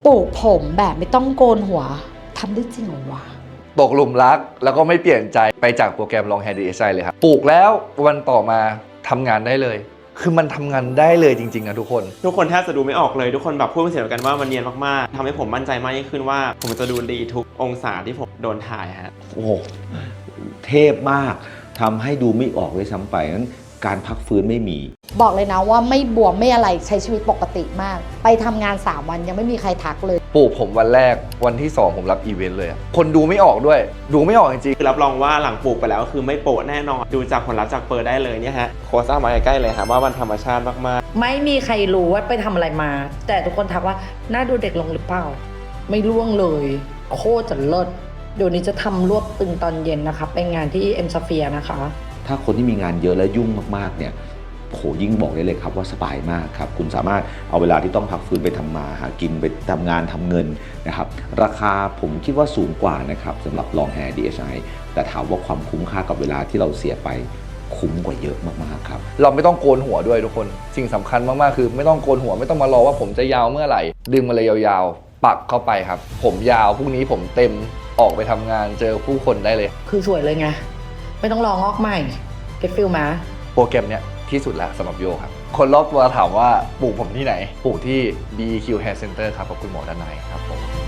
ปลูกผมแบบไม่ต้องโกนหัวทำได้จริงเหรอวะตกหลุมรักแล้วก็ไม่เปลี่ยนใจไปจากโปรแกรม Long Hair DSI เลยครับปลูกแล้ววันต่อมาทำงานได้เลยคือมันทำงานได้เลยจริงๆนะทุกคนแทบจะดูไม่ออกเลยทุกคนแบบพูดเป็นเสียงเดียวกันว่ามันเนียนมากๆทำให้ผมมั่นใจมากยิ่งขึ้นว่าผมจะดูดีทุกองศาที่ผมโดนถ่ายฮะโอ้โหเทพมากทำให้ดูไม่ออกเลยซ้ำไปนั้นการพักฟื้นไม่มีบอกเลยนะว่าไม่บวมไม่อะไรใช้ชีวิตปกติมากไปทำงาน3วันยังไม่มีใครทักเลยปลูกผมวันแรกวันที่2ผมรับอีเวนต์เลยคนดูไม่ออกด้วยดูไม่ออกจริงคือรับรองว่าหลังปลูกไปแล้วคือไม่โปะแน่นอนดูจากผลลัพธ์จากเปิดได้เลยเนี่ยฮะโคซ่ามาใกล้ๆเลยครับว่ามันธรรมชาติมากๆไม่มีใครรู้ว่าไปทำอะไรมา แต่ทุกคนทักว่าหน้าดูเด็กลงหรือเปล่าไม่ร่วงเลยโคตรจะเลิศเดี๋ยวนี้จะทำรวบตึงตอนเย็นนะคะไปงานที่เอ็มสเฟียร์นะคะถ้าคนที่มีงานเยอะและยุ่งมากๆเนี่ยโหยิ่งบอกได้เลยครับว่าสบายมากครับคุณสามารถเอาเวลาที่ต้องพักฟื้นไปทำมาหากินไปทำงานทำเงินนะครับราคาผมคิดว่าสูงกว่านะครับสำหรับ Long Hair DSI แต่ถามว่าความคุ้มค่ากับเวลาที่เราเสียไปคุ้มกว่าเยอะมากๆครับเราไม่ต้องโกนหัวด้วยทุกคนสิ่งสำคัญมากๆคือไม่ต้องโกนหัวไม่ต้องมารอว่าผมจะยาวเมื่อไหร่ดึงมาเลยยาวๆปักเข้าไปครับผมยาวพรุ่งนี้ผมเต็มออกไปทำงานเจอผู้คนได้เลยคือสวยเลยไงไม่ต้องรองอกใหม่เก็ตฟิลมาโปรแกรมเนี้ยที่สุดแล้วสำหรับโยครับคนรอบตัวถามว่าปลูกผมที่ไหนปลูกที่ BEQ Hair Center ครับกับคุณหมอด้านในครับผม